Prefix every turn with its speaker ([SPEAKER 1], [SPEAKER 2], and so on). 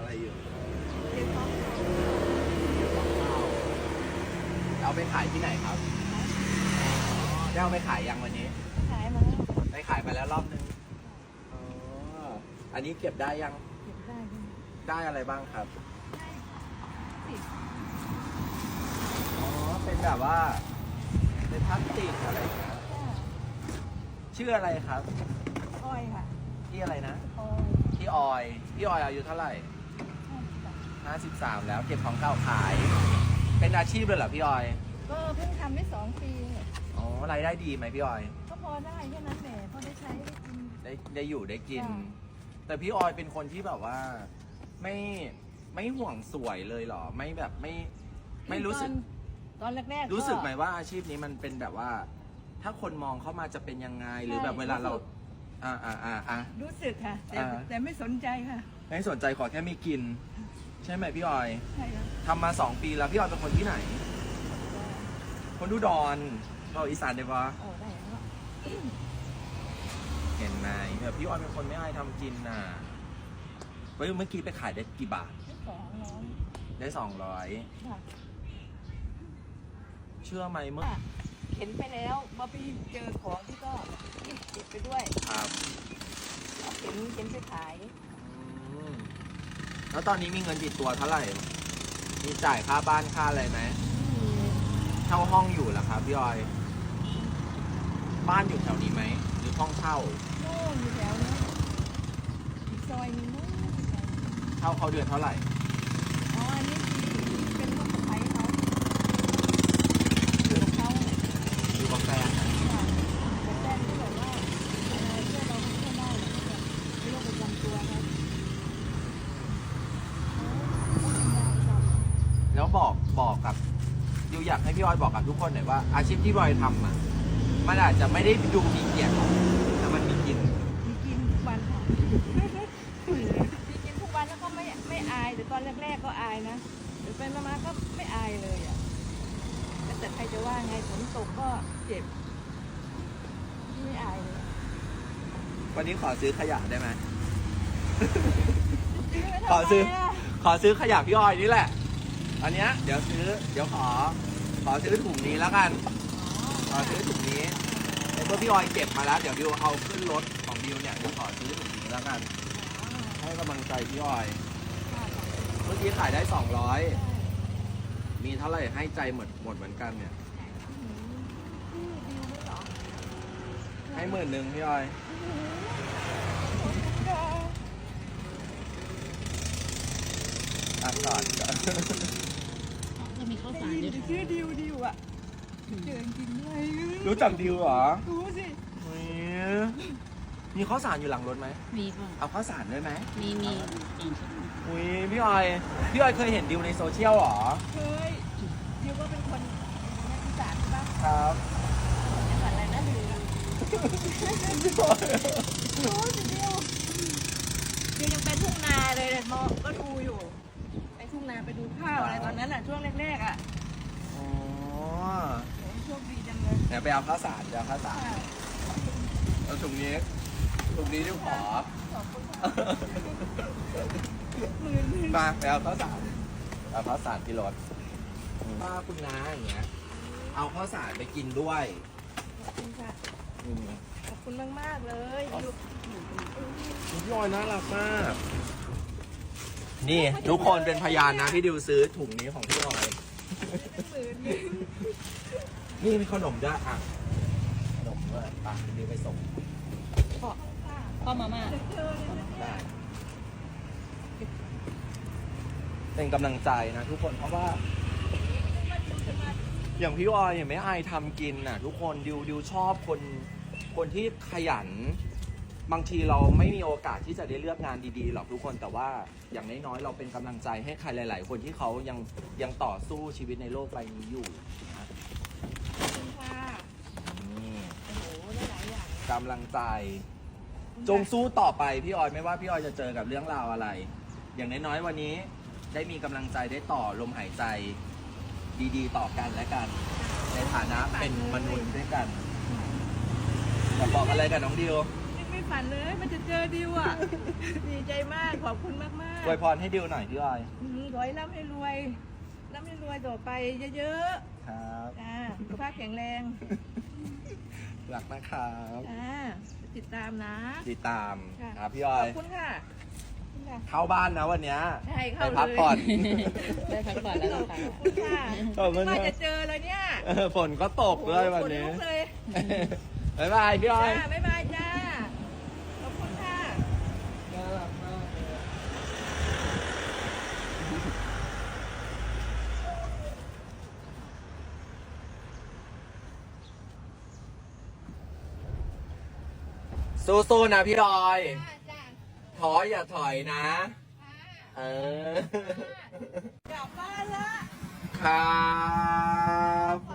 [SPEAKER 1] อะไรอยู่
[SPEAKER 2] เก็บของ
[SPEAKER 1] เอาไปขายที่ไหนครับได้เอาไปขายยังวันนี้
[SPEAKER 2] ขายมาแล้ว
[SPEAKER 1] ได้ขายไปแล้วรอบนึงอ๋ออันนี้เก็บได้ยัง
[SPEAKER 2] เก็บได้ด้วย
[SPEAKER 1] ได้อะไรบ้างครับ
[SPEAKER 2] สิบ
[SPEAKER 1] อ๋อเป็นแบบว่าเป็นพลาสติกอะไรอย่างเงี้ย
[SPEAKER 2] ค่ะ
[SPEAKER 1] ชื่ออะไรครับ
[SPEAKER 2] อ้อยค่ะ
[SPEAKER 1] ที่อะไรนะ
[SPEAKER 2] อ้อย
[SPEAKER 1] พี่ออยพี่ออยอายุเท่าไหร่ 53 แล้วเก็บของเก่าขาย เป็นอาชีพเลยเหรอพี่ออย
[SPEAKER 2] ก็เพิ่งทำได้2 ปีเนี่ย
[SPEAKER 1] อ๋อรายได้ดีไหมพี่ออย
[SPEAKER 2] ก็พอได้แค่นั้นแหละพอได้ใช้ได้กิน
[SPEAKER 1] ได้อยู่ได้กิน
[SPEAKER 2] ค่ะ
[SPEAKER 1] แต่พี่ออยเป็นคนที่แบบว่าไม่ห่วงสวยเลยเหรอ ไม่แบบไม่รู้สึก
[SPEAKER 2] ตอนแรกๆก็
[SPEAKER 1] รู้สึกไหมว่าอาชีพนี้มันเป็นแบบว่า ถ้าคนมองเข้ามาจะเป็นยังไงหรือแบบเวลาเรา
[SPEAKER 2] รู้สึกค่ะ แต่ไม่สนใจค่ะ
[SPEAKER 1] ไม่สนใจขอแค่มีกิน ใช่ไหมพี่ออย
[SPEAKER 2] ใช่ค่ะ
[SPEAKER 1] ทำมา2 ปีแล้วพี่ออยเป็นคนที่ไหน คนอุดรเราอีสานได้ปะ
[SPEAKER 2] โอ้ได้แล้ว
[SPEAKER 1] เห็นไหมแบบพี่ออยเป็นคนไม่อายทำกินน่ะเมื่อกี้ไปขายได้กี่บาท
[SPEAKER 2] ได้200
[SPEAKER 1] ได้200
[SPEAKER 2] ค่ะ
[SPEAKER 1] เชื่อไหมเมื่อ
[SPEAKER 2] เข็นไปแล้วมาไปเจอของที่ก็ติดไปด้วย
[SPEAKER 1] ครับ
[SPEAKER 2] เอาเข็นไปขาย
[SPEAKER 1] อืมแล้วตอนนี้มีเงินติดตัวเท่าไหร่ มีจ่ายค่าบ้านค่าอะไรไหมเช่าห้องอยู่แล้วครับพี่ออย บ้านอยู่แถวนี้ไหมหรือห้องเช่า
[SPEAKER 2] โน่นอยู่แถวนั้นอีกซอยนึงนู้น
[SPEAKER 1] เช่าเขาเดือนเท่าไหร่
[SPEAKER 2] อ๋ออันนี้ที่เป็นลูกสะใภ้เขาอยู่กับเขาเนี่ย
[SPEAKER 1] อยู่กับแฟน
[SPEAKER 2] ค่ะแต่แฟนที่แบบว่าเพื่อนเราไม่ค่อยได้หรอกแบบไม่โรคประจำตัวครับเขา
[SPEAKER 1] แล้วบอกกับดิวอยากให้พี่ออยบอกกับทุกคนหน่อยว่าอาชีพที่พี่ออยทำอ่ะมันอาจจะไม่ได้ดูมีเกียรติหรอกแต่มันมีกิน
[SPEAKER 2] มีกินทุกวันค่ะมีกินทุกวันแล้วก็ไม่อายแต่ตอนแรกๆก็อายนะเดี๋ยวเป็นมาก็ไม่อายเลยอ่ะแต่ใครจะว่าไงฝนตกก็เจ็บไม่อายเลย
[SPEAKER 1] วันนี้ขอซื้อขยะได้ไหม
[SPEAKER 2] ซื้อไว้
[SPEAKER 1] ขอซื้อ
[SPEAKER 2] ทำไมะ
[SPEAKER 1] ขอซื้อขยะพี่ออยนี่แหละ อันเนี้ยเดี๋ยวขอซื้อถุงนี้แล้วกัน ขอซื้อถุงนี้ในเมื่อพี่ออยเก็บมาแล้วเดี๋ยวดิวเอาขึ้นรถของดิวเนี่ยดิวขอซื้อถุงนี้แล้วกัน ให้กำลังใจพี่ออย เมื่อกี้ขายได้200 มีเท่าไหร่ให้ใจหมดเหมือนกันเนี่ย ให้10,000พี่ออยอ่ะก่อน
[SPEAKER 3] จะมีข้าว
[SPEAKER 2] ได้
[SPEAKER 3] สาร
[SPEAKER 2] ยิน
[SPEAKER 3] ด้วย
[SPEAKER 2] แต่ชื่อดิวอ่ะเจอจริงด้วย
[SPEAKER 1] รู้จักดิวเหรอ
[SPEAKER 2] รู้สิ
[SPEAKER 1] เฮ้ยมีข้าวสารอยู่หลังรถไหม
[SPEAKER 3] มีค่ะ
[SPEAKER 1] เอาข้าวสารด้วยไหม
[SPEAKER 3] มีอย่างเช่น
[SPEAKER 1] อุ้ยพี่ออยเคยเห็นดิวในโซเชียลเหรอ
[SPEAKER 2] เคยดิวก็เป็นคนนักอีสานใช่ปะ
[SPEAKER 1] ครับ
[SPEAKER 2] จังหวัดอะไรนะดิวรู้สิดิวยังไปทุ่งนาเลยมองก็ดูอยู่ไปทุ่งนาไปดูข้าวอะไรตอนนั้นอ่ะช่วงแรกๆอ่ะ
[SPEAKER 1] อ๋อ
[SPEAKER 2] โหโชคดีจังเลย
[SPEAKER 1] เดี๋ยวไปเอาข้าวสารเอาถุงนี้ดิวขอ
[SPEAKER 2] ขอบคุณค่ะหมื่น
[SPEAKER 1] มาไปเอาข้าวสารที่รถป้าคุณน้าอย่างเงี้ย เอาข้าวสารไปกินด้วย
[SPEAKER 2] ขอบคุณค่ะ
[SPEAKER 1] อืม
[SPEAKER 2] ขอบคุณมากๆเลยดิว
[SPEAKER 1] พี่ออยน่ารักมาก นี่ทุกคนเป็นพยานนะที่ดิวซื้อถุงนี้ของพี่ออย
[SPEAKER 2] หมื่น
[SPEAKER 1] นี่มีขนมด้วยอ่ะขนมด้วยไปดิวไปส่ง
[SPEAKER 3] พ่อมาม่า
[SPEAKER 1] ได้เป็นกำลังใจนะทุกคนเพราะว่า อย่างพี่ออยเนี่ยไม่อายทำกินน่ะ ทุกคนดิวชอบคนที่ขยัน บางทีเราไม่มีโอกาสที่จะได้เลือกงานดีๆหรอกทุกคนแต่ว่าอย่างน้อยๆเราเป็นกำลังใจให้ใครหลายๆ คนที่เขายังต่อสู้ชีวิตในโลกใบนี้อยู่นะ
[SPEAKER 2] ขอบคุณค่ะ
[SPEAKER 1] นี่
[SPEAKER 2] โอ้โหได้หลายอย่าง
[SPEAKER 1] กำลังใจ จงสู้ต่อไปพี่ออยไม่ว่าพี่ออยจะเจอกับเรื่องราวอะไร อย่างน้อยๆวันนี้ได้มีกำลังใจได้ต่อลมหายใจ ดีๆ ต่อกันและกัน ในฐานะเป็นมนุษย์ด้วยกันอยากบอกอะไรกับน้องดิว
[SPEAKER 2] ไม่ไม่ฝันเลยมันจะเจอดิวอ่ะ ดีใจมากขอบคุณมากมาก
[SPEAKER 1] อวยพรให้ดิวหน่อยพี่ออย
[SPEAKER 2] ขอให้ร่ำให้รวยต่อไปเยอะ
[SPEAKER 1] ครับ
[SPEAKER 2] ๆจ้าสุขภาพแข็งแรง
[SPEAKER 1] รักนะครับ
[SPEAKER 2] จ้าติดตามนะ
[SPEAKER 1] ติดตาม
[SPEAKER 2] ค่ะ
[SPEAKER 1] พี่ออ
[SPEAKER 2] ข
[SPEAKER 1] ย
[SPEAKER 2] อบคุณค่ะขอบคุณค่ะ
[SPEAKER 1] เข้าบ้านนะวันเนี้ย
[SPEAKER 2] ใช่
[SPEAKER 1] ไป
[SPEAKER 2] เข้าเลย
[SPEAKER 1] พักผ่อน
[SPEAKER 3] ได้พักผ่อนแล้ว
[SPEAKER 2] ข
[SPEAKER 3] ล่ะ
[SPEAKER 2] อบ
[SPEAKER 3] ค่ะ
[SPEAKER 2] คุณค่ะ
[SPEAKER 1] ขอบคุณ
[SPEAKER 2] ว่า
[SPEAKER 1] ค่ะ
[SPEAKER 2] จะเจอเลยเนี่ย
[SPEAKER 1] ฝนก็ตกด้วยวันนี้
[SPEAKER 2] โอ้โหขลุกเลย
[SPEAKER 1] บ๊ายบายพี่ออย
[SPEAKER 2] จ้าบ๊ายบายจ้าขอบคุณค่ะ
[SPEAKER 1] น่ารักมากเลยสู้ๆนะพี่ออย
[SPEAKER 2] จ้า
[SPEAKER 1] ถอยอย่าถอยนะ เออ
[SPEAKER 2] กลับบ้านละ
[SPEAKER 1] ครับ